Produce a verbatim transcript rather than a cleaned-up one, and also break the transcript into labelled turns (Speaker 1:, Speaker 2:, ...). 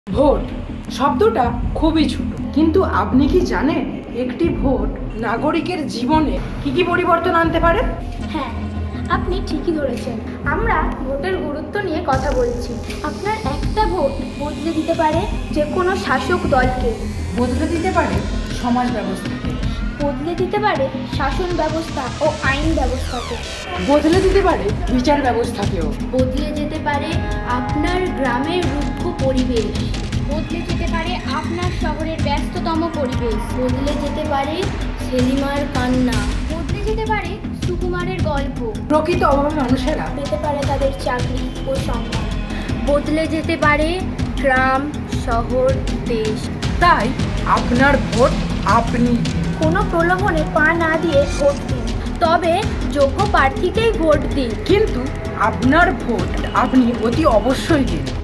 Speaker 1: Vote শব্দটা খুবই ছোট, কিন্তু আপনি কি জানেন একটি ভোট নাগরিকের জীবনে কি কি পরিবর্তন আনতে পারে?
Speaker 2: হ্যাঁ, আপনি ঠিকই ধরেছেন। আমরা ভোটের গুরুত্ব নিয়ে কথা বলছি। আপনার একটা ভোট বদলে দিতে পারে যে কোনো শাসক দলকে,
Speaker 1: বদলে দিতে পারে সমাজ ব্যবস্থাকে,
Speaker 2: বদলে দিতে পারে শাসন ব্যবস্থা ও আইন ব্যবস্থাকে,
Speaker 1: বদলে দিতে পারে বিচার ব্যবস্থাকেও,
Speaker 2: বদলে যেতে পারে আপনার গ্রামের রুক্ষ পরিবেশ, বদলে যেতে পারে আপনার শহরের ব্যস্ততম পরিবেশ, বদলে যেতে পারে সেলিমার কান্না, বদলে যেতে পারে সুকুমারের গল্প,
Speaker 1: প্রকৃত অভাবী মানুষেরা
Speaker 2: পেতে পারে তাদের চাকরি ও সম্মান, বদলে যেতে পারে গ্রাম, শহর, দেশ।
Speaker 1: তাই আপনার ভোট আপনি
Speaker 2: কোনো প্রলোভনে পা না দিয়ে ভোট দিন, তবে যোগ্য প্রার্থীকেই ভোট দিন।
Speaker 1: কিন্তু আপনার ভোট আপনি অতি অবশ্যই দিন।